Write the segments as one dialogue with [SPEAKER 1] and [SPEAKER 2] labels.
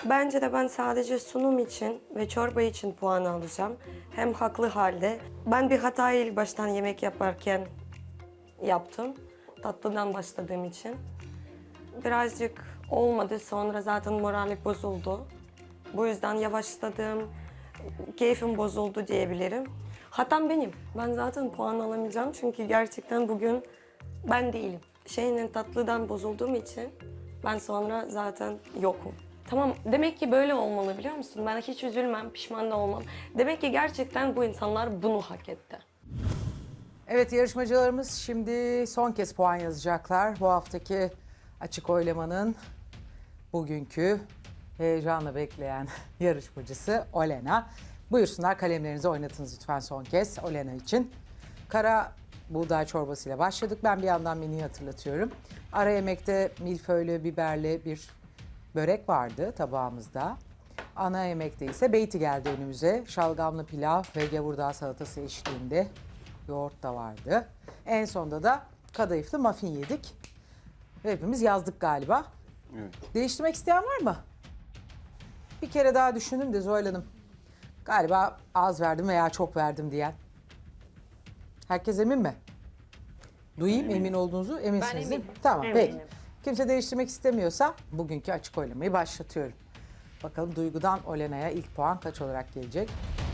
[SPEAKER 1] Bence de ben sadece sunum için ve çorba için puan alacağım. Hem haklı halde. Ben bir hatayı ilk baştan yemek yaparken yaptım. Tatlıdan başladığım için. Birazcık olmadı. Sonra zaten morali bozuldu. Bu yüzden yavaşladım. Keyfim bozuldu diyebilirim. Hatam benim. Ben zaten puan alamayacağım çünkü gerçekten bugün ben değilim. Tatlıdan bozulduğum için ben sonra zaten yokum. Tamam, demek ki böyle olmalı biliyor musun? Ben hiç üzülmem, pişman da olmam. Demek ki gerçekten bu insanlar bunu hak etti.
[SPEAKER 2] Evet, yarışmacılarımız şimdi son kez puan yazacaklar. Bu haftaki açık oylamanın bugünkü heyecanla bekleyen yarışmacısı Olena. Buyursunlar, kalemlerinizi oynatınız lütfen son kez Olena için. Kara buğday çorbasıyla başladık. Ben bir yandan menüyü hatırlatıyorum. Ara yemekte milföylü, biberli bir börek vardı tabağımızda. Ana yemekte ise beyti geldi önümüze. Şalgamlı pilav ve gavurdağ salatası eşliğinde yoğurt da vardı. En sonda da kadayıflı muffin yedik. Hepimiz yazdık galiba.
[SPEAKER 3] Evet.
[SPEAKER 2] Değiştirmek isteyen var mı? Bir kere daha düşündüm de Zuhal Hanım. Galiba az verdim veya çok verdim diyen. Herkes emin mi? Duyayım emin olduğunuzu. Eminsiniz değil mi? Tamam peki. Kimse değiştirmek istemiyorsa bugünkü açık oylamayı başlatıyorum. Bakalım Duygu'dan Olena'ya ilk puan kaç olarak gelecek?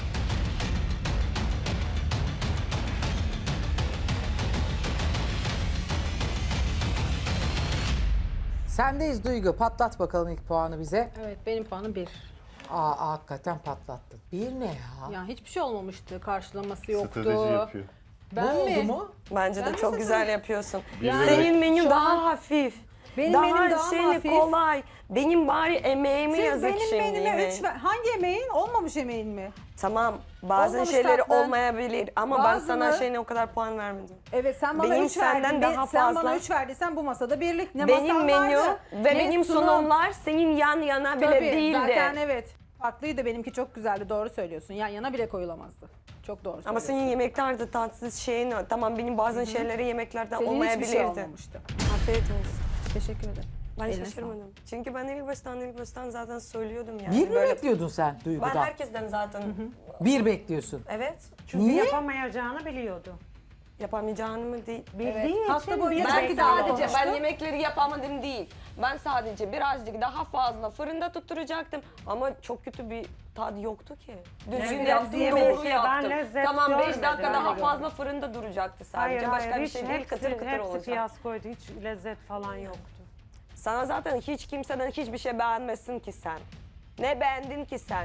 [SPEAKER 2] Sendeyiz Duygu. Patlat bakalım ilk puanı bize.
[SPEAKER 4] Evet, benim puanım 1.
[SPEAKER 2] Hakikaten patlattın. Bir ne ya?
[SPEAKER 4] Ya hiçbir şey olmamıştı. Karşılaması yoktu.
[SPEAKER 3] Strateji yapıyor.
[SPEAKER 4] Ben
[SPEAKER 2] Bu
[SPEAKER 4] mi?
[SPEAKER 2] oldu mu?
[SPEAKER 1] Bence de
[SPEAKER 4] Ben
[SPEAKER 1] çok
[SPEAKER 4] nasıl
[SPEAKER 1] güzel yapıyorsun.
[SPEAKER 3] Yani
[SPEAKER 1] Senin menün
[SPEAKER 4] şu
[SPEAKER 1] daha
[SPEAKER 4] an-
[SPEAKER 1] hafif.
[SPEAKER 4] Benim menüm daha mı hafif?
[SPEAKER 1] kolay. Benim bari emeğime
[SPEAKER 5] Siz
[SPEAKER 1] yazık
[SPEAKER 5] benim
[SPEAKER 1] şimdi.
[SPEAKER 5] menüme 3 hangi yemeğin? Olmamış yemeğin mi?
[SPEAKER 1] Tamam, bazen
[SPEAKER 5] Olmamış
[SPEAKER 1] şeyleri
[SPEAKER 5] tatlı.
[SPEAKER 1] olmayabilir ama ben
[SPEAKER 5] Bazı
[SPEAKER 1] sana
[SPEAKER 5] mı?
[SPEAKER 1] o kadar puan vermedim.
[SPEAKER 5] Evet sen bana
[SPEAKER 1] Benim
[SPEAKER 5] 3
[SPEAKER 1] senden
[SPEAKER 5] verdin.
[SPEAKER 1] daha
[SPEAKER 5] Sen
[SPEAKER 1] fazla.
[SPEAKER 5] bana 3 verdiysen bu masada birlik. Ne
[SPEAKER 1] Benim
[SPEAKER 5] masam
[SPEAKER 1] menü
[SPEAKER 5] vardı,
[SPEAKER 1] ve
[SPEAKER 5] ne
[SPEAKER 1] benim
[SPEAKER 5] sunum.
[SPEAKER 1] sunumlar senin yan yana bile
[SPEAKER 5] Tabii,
[SPEAKER 1] değildi.
[SPEAKER 5] zaten evet. Farklıydı, benimki çok güzeldi, doğru söylüyorsun. Yan yana bile koyulamazdı. Çok doğru söylüyorsun.
[SPEAKER 1] Ama senin yemekler de tatsız tamam benim bazen şeyleri yemeklerde
[SPEAKER 5] Senin
[SPEAKER 1] olmayabilirdi.
[SPEAKER 5] hiçbir şey olmamıştı.
[SPEAKER 1] Afiyet olsun.
[SPEAKER 5] Teşekkür ederim.
[SPEAKER 1] Ben
[SPEAKER 5] Eline
[SPEAKER 1] şaşırmadım. Çünkü ben ilk baştan zaten söylüyordum yani.
[SPEAKER 2] Bir mi
[SPEAKER 1] Böyle-
[SPEAKER 2] bekliyordun sen
[SPEAKER 1] Ben
[SPEAKER 2] Duygu'dan?
[SPEAKER 1] herkesten zaten
[SPEAKER 2] Bir bekliyorsun.
[SPEAKER 1] evet
[SPEAKER 6] Çünkü
[SPEAKER 2] Niye?
[SPEAKER 6] yapamayacağını biliyordu.
[SPEAKER 1] yapamayacağını mı değil.
[SPEAKER 6] Bildiği
[SPEAKER 5] Hafta
[SPEAKER 6] için
[SPEAKER 5] boyu
[SPEAKER 6] bir
[SPEAKER 5] Ben
[SPEAKER 1] Ben
[SPEAKER 6] bekliyor.
[SPEAKER 1] sadece
[SPEAKER 5] konuştu.
[SPEAKER 1] ben yemekleri yapamadım değil. Ben sadece birazcık daha fazla fırında tutturacaktım ama çok kötü bir tadı yoktu ki. Düzgün
[SPEAKER 6] Evet,
[SPEAKER 1] yaptım,
[SPEAKER 6] yemeği
[SPEAKER 1] doğru
[SPEAKER 6] ben
[SPEAKER 1] yaptım.
[SPEAKER 6] lezzet
[SPEAKER 1] Tamam 5
[SPEAKER 6] görmedim,
[SPEAKER 1] dakika
[SPEAKER 6] öyle
[SPEAKER 1] daha
[SPEAKER 6] gördüm.
[SPEAKER 1] fazla fırında duracaktı sadece. Başka bir
[SPEAKER 6] hiç
[SPEAKER 1] şey değil, kıtır kıtır
[SPEAKER 6] hepsi
[SPEAKER 1] olacak.
[SPEAKER 6] fiyaskoydu. Hiç lezzet falan yoktu.
[SPEAKER 1] Sana zaten hiç kimseden hiçbir şey beğenmesin ki sen. Ne beğendin ki sen?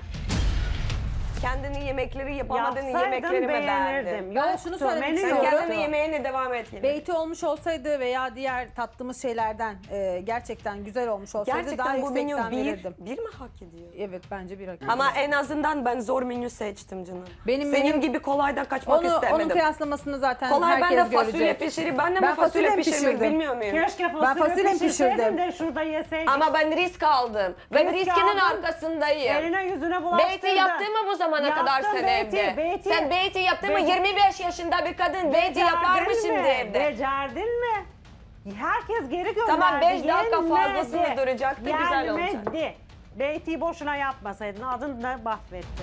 [SPEAKER 1] Kendini yemekleri yapamadığın
[SPEAKER 6] Yapsaydım
[SPEAKER 1] yemekleri mi beğendin?
[SPEAKER 6] beğenirdim.
[SPEAKER 5] Ben
[SPEAKER 6] Yoktu,
[SPEAKER 5] şunu söylemek
[SPEAKER 6] menü
[SPEAKER 1] Sen
[SPEAKER 5] istiyorum.
[SPEAKER 6] yoktu.
[SPEAKER 1] kendini yemeğine devam et yine.
[SPEAKER 5] Beyti olmuş olsaydı veya diğer tattığımız şeylerden gerçekten güzel olmuş olsaydı daha
[SPEAKER 1] Gerçekten bu menü
[SPEAKER 5] yüksekten verirdim.
[SPEAKER 1] bir mi hak ediyor?
[SPEAKER 5] Evet bence bir hak.
[SPEAKER 1] Ama en azından ben zor menü seçtim canım.
[SPEAKER 5] Benim
[SPEAKER 1] Senin
[SPEAKER 5] menüm-
[SPEAKER 1] gibi kolaydan kaçmak
[SPEAKER 5] Onun
[SPEAKER 1] istemedim.
[SPEAKER 5] kıyaslamasını zaten
[SPEAKER 1] Kolay ben
[SPEAKER 5] herkes
[SPEAKER 1] de fasulye
[SPEAKER 5] görecek.
[SPEAKER 1] pişirip ben de
[SPEAKER 5] Ben
[SPEAKER 1] mi fasulye
[SPEAKER 5] fasulye
[SPEAKER 1] pişirmek
[SPEAKER 5] pişirdim.
[SPEAKER 1] bilmiyor muyum?
[SPEAKER 6] Keşke
[SPEAKER 5] fasulye
[SPEAKER 6] fasulye pişirseydim
[SPEAKER 5] pişirdim.
[SPEAKER 6] de şurada yeseydim.
[SPEAKER 1] Ama ben risk aldım. Ben
[SPEAKER 6] Risk
[SPEAKER 1] riskinin
[SPEAKER 6] aldın.
[SPEAKER 1] arkasındayım.
[SPEAKER 6] Eline yüzüne bulaştırdın.
[SPEAKER 1] Beyti yaptın mı bu zamana
[SPEAKER 6] Yaptım
[SPEAKER 1] kadar sen
[SPEAKER 6] beyti,
[SPEAKER 1] evde?
[SPEAKER 6] beyti.
[SPEAKER 1] Sen beyti yaptın mı?
[SPEAKER 6] Beyti.
[SPEAKER 1] 25 yaşında bir kadın beyti yapar mı
[SPEAKER 6] Becerdin
[SPEAKER 1] şimdi
[SPEAKER 6] mi?
[SPEAKER 1] evde?
[SPEAKER 6] Becerdin mi? Herkes geri gönderdi.
[SPEAKER 1] Tamam, 5 dakika
[SPEAKER 6] Yenmedi.
[SPEAKER 1] fazlasını duracaktı, güzel olacak.
[SPEAKER 6] Yenmedi. Beyti'yi boşuna yapmasaydın adını da mahvettin.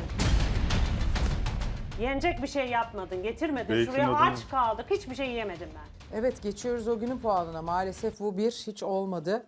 [SPEAKER 6] Yenecek bir şey yapmadın, getirmedin.
[SPEAKER 3] Beytin
[SPEAKER 6] Şuraya
[SPEAKER 3] adını-
[SPEAKER 6] aç kaldık, hiçbir şey yemedim ben.
[SPEAKER 2] Evet, geçiyoruz o günün puanına. Maalesef bu bir hiç olmadı.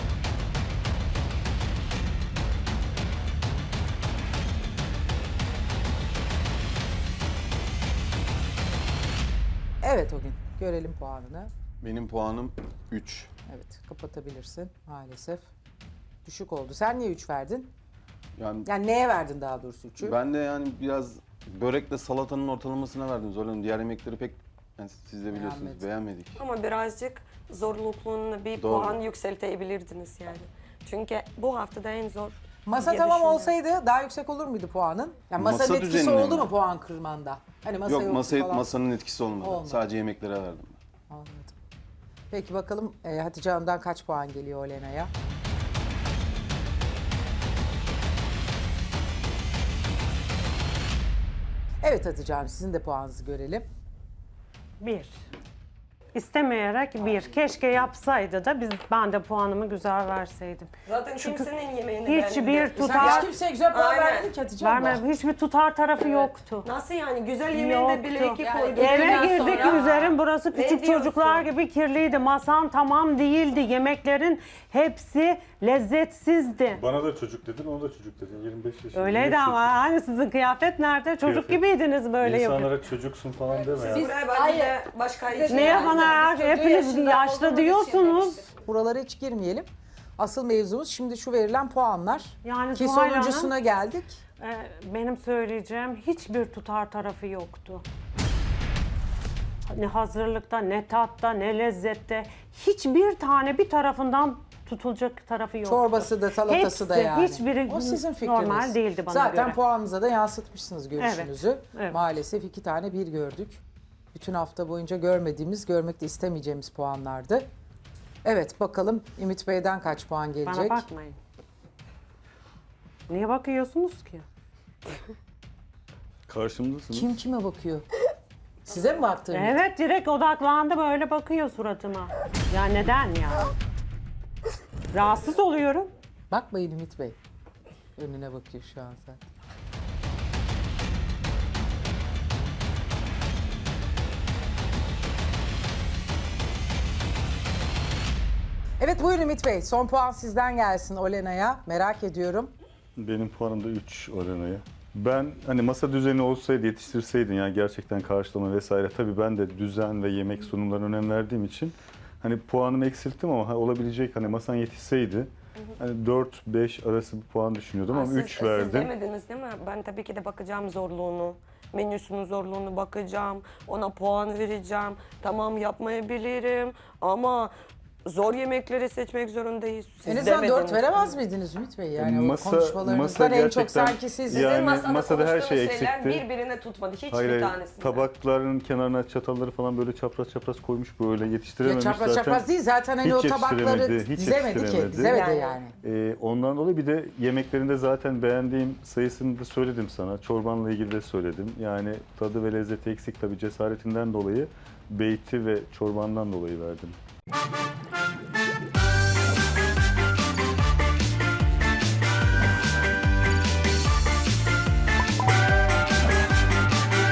[SPEAKER 2] Evet o gün. Görelim puanını.
[SPEAKER 3] Benim puanım 3.
[SPEAKER 2] Evet, kapatabilirsin maalesef. Düşük oldu. Sen niye 3 verdin?
[SPEAKER 3] Yani
[SPEAKER 2] Yani neye verdin daha doğrusu 3'ü?
[SPEAKER 3] ben de yani biraz börekle salatanın ortalamasına verdim Zoran. Diğer yemekleri pek yani siz de biliyorsunuz
[SPEAKER 2] Beğenmedim.
[SPEAKER 3] beğenmedik.
[SPEAKER 1] Ama birazcık zorlukluğunu bir
[SPEAKER 3] Doğru.
[SPEAKER 1] puan yükseltebilirdiniz yani. Çünkü bu haftada en zor.
[SPEAKER 2] Masa
[SPEAKER 1] diye
[SPEAKER 2] tamam
[SPEAKER 1] düşünüyorum.
[SPEAKER 2] olsaydı daha yüksek olur muydu puanın? Yani masanın
[SPEAKER 3] Masa
[SPEAKER 2] etkisi
[SPEAKER 3] düzenine
[SPEAKER 2] oldu
[SPEAKER 3] mi?
[SPEAKER 2] mu puan kırmanda? Hani masa
[SPEAKER 3] Yok
[SPEAKER 2] yoktu falan.
[SPEAKER 3] masanın etkisi olmadı.
[SPEAKER 2] Olmadı.
[SPEAKER 3] Sadece yemeklere verdim.
[SPEAKER 2] Anladım. Peki bakalım Hatice Hanım'dan kaç puan geliyor Olena'ya? Evet Hatice Hanım, sizin de puanınızı görelim.
[SPEAKER 6] 1.
[SPEAKER 7] istemeyerek bir. Keşke yapsaydı da ben de puanımı güzel verseydim.
[SPEAKER 1] Zaten kimsenin yemeğini
[SPEAKER 7] Hiçbir
[SPEAKER 1] beğenmedim.
[SPEAKER 2] Sen
[SPEAKER 7] tutar
[SPEAKER 2] hiç kimseye güzel puan
[SPEAKER 1] Aynen.
[SPEAKER 2] verdin ki Hatice abla.
[SPEAKER 7] vermem. Hiçbir tutar tarafı yoktu.
[SPEAKER 1] Nasıl yani? Güzel yemeğinde bile
[SPEAKER 7] Yoktu.
[SPEAKER 1] iki koyduk.
[SPEAKER 7] Eve girdik üzerim burası
[SPEAKER 1] Ne
[SPEAKER 7] küçük
[SPEAKER 1] diyorsun?
[SPEAKER 7] çocuklar gibi kirliydi. Masam tamam değildi. Yemeklerin hepsi lezzetsizdi.
[SPEAKER 8] Bana da çocuk dedin, ona da çocuk dedin. 25 yaşında.
[SPEAKER 7] Öyleydi
[SPEAKER 8] Niye
[SPEAKER 7] ama hani sizin kıyafet nerede? Çocuk
[SPEAKER 8] Kıyafet.
[SPEAKER 7] gibiydiniz böyle yapıyor.
[SPEAKER 8] İnsanlara çocuksun falan deme ya.
[SPEAKER 1] Buraya bence de başka için.
[SPEAKER 7] Neye
[SPEAKER 1] yani.
[SPEAKER 7] bana hepiniz yaşlı diyorsunuz.
[SPEAKER 2] Buralara hiç girmeyelim. Asıl mevzumuz şimdi şu verilen puanlar.
[SPEAKER 7] Yani
[SPEAKER 2] Ki
[SPEAKER 7] Zuhal Hanım,
[SPEAKER 2] sonuncusuna geldik.
[SPEAKER 7] benim söyleyeceğim hiçbir tutar tarafı yoktu. Ne hazırlıkta, ne tatta, ne lezzette. Hiçbir tane bir tarafından tutulacak tarafı yoktu.
[SPEAKER 2] Çorbası da salatası da
[SPEAKER 7] Hepsi,
[SPEAKER 2] yani.
[SPEAKER 7] hiçbiri
[SPEAKER 2] o sizin fikriniz.
[SPEAKER 7] normal değildi bana
[SPEAKER 2] Zaten
[SPEAKER 7] göre.
[SPEAKER 2] puanınıza da yansıtmışsınız görüşünüzü.
[SPEAKER 7] Evet, evet.
[SPEAKER 2] Maalesef 2 tane 1 gördük. Bütün hafta boyunca görmediğimiz, görmek de istemeyeceğimiz puanlardı. Evet bakalım Ümit Bey'den kaç puan gelecek?
[SPEAKER 7] Bana bakmayın. Niye bakıyorsunuz ki?
[SPEAKER 8] Karşımdasınız.
[SPEAKER 2] Kim kime bakıyor? Size mi baktı Ümit?
[SPEAKER 7] Evet direkt odaklandı böyle bakıyor suratıma. Ya neden ya? Rahatsız oluyorum.
[SPEAKER 2] Bakmayın Ümit Bey. Önüne bakıyor şu an zaten. Evet buyurun Ümit Bey. Son puan sizden gelsin Olena'ya. Merak ediyorum.
[SPEAKER 8] Benim puanım da 3 Olena'ya. Ben hani masa düzeni olsaydı, yetiştirseydin yani gerçekten karşılama vesaire. Tabii ben de düzen ve yemek sunumlarına önem verdiğim için hani puanımı eksilttim ama olabilecek hani masan yetişseydi hani 4-5 arası bir puan düşünüyordum ama 3
[SPEAKER 1] Siz
[SPEAKER 8] verdim.
[SPEAKER 1] demediniz değil mi? Ben tabii ki de bakacağım zorluğunu. Menüsünün zorluğunu bakacağım. Ona puan vereceğim. Tamam yapmayabilirim ama zor yemekleri seçmek zorundayız. Siz
[SPEAKER 2] En azından 4
[SPEAKER 1] demediniz.
[SPEAKER 2] veremez miydiniz Ümit Bey? Yani
[SPEAKER 8] Masa-
[SPEAKER 2] o konuşmalarınızdan
[SPEAKER 8] masa
[SPEAKER 2] en çok
[SPEAKER 8] gerçekten-
[SPEAKER 2] sanki siz...
[SPEAKER 8] Ya-
[SPEAKER 1] Sizin
[SPEAKER 8] Yani
[SPEAKER 1] masada,
[SPEAKER 8] masada her şey
[SPEAKER 1] konuştuğunuz şeyler
[SPEAKER 8] eksikti.
[SPEAKER 1] birbirine tutmadı. Hiçbir
[SPEAKER 8] Hayır,
[SPEAKER 1] tanesinde.
[SPEAKER 8] tabakların kenarına çatalları falan böyle çapraz çapraz koymuş böyle
[SPEAKER 2] Ya
[SPEAKER 8] yetiştirememiş
[SPEAKER 2] çapraz
[SPEAKER 8] zaten.
[SPEAKER 2] çapraz değil zaten hani
[SPEAKER 8] Hiç
[SPEAKER 2] o tabakları
[SPEAKER 8] yetiştiremedi, hiç
[SPEAKER 2] dizemedi ki.
[SPEAKER 8] yetiştiremedi.
[SPEAKER 2] Dizemedi
[SPEAKER 1] Yani.
[SPEAKER 2] yani.
[SPEAKER 8] Ondan dolayı bir de yemeklerinde zaten beğendiğim sayısını da söyledim sana. Çorbanla ilgili de söyledim. Yani tadı ve lezzeti eksik tabii cesaretinden dolayı, beyti ve çorbandan dolayı verdim.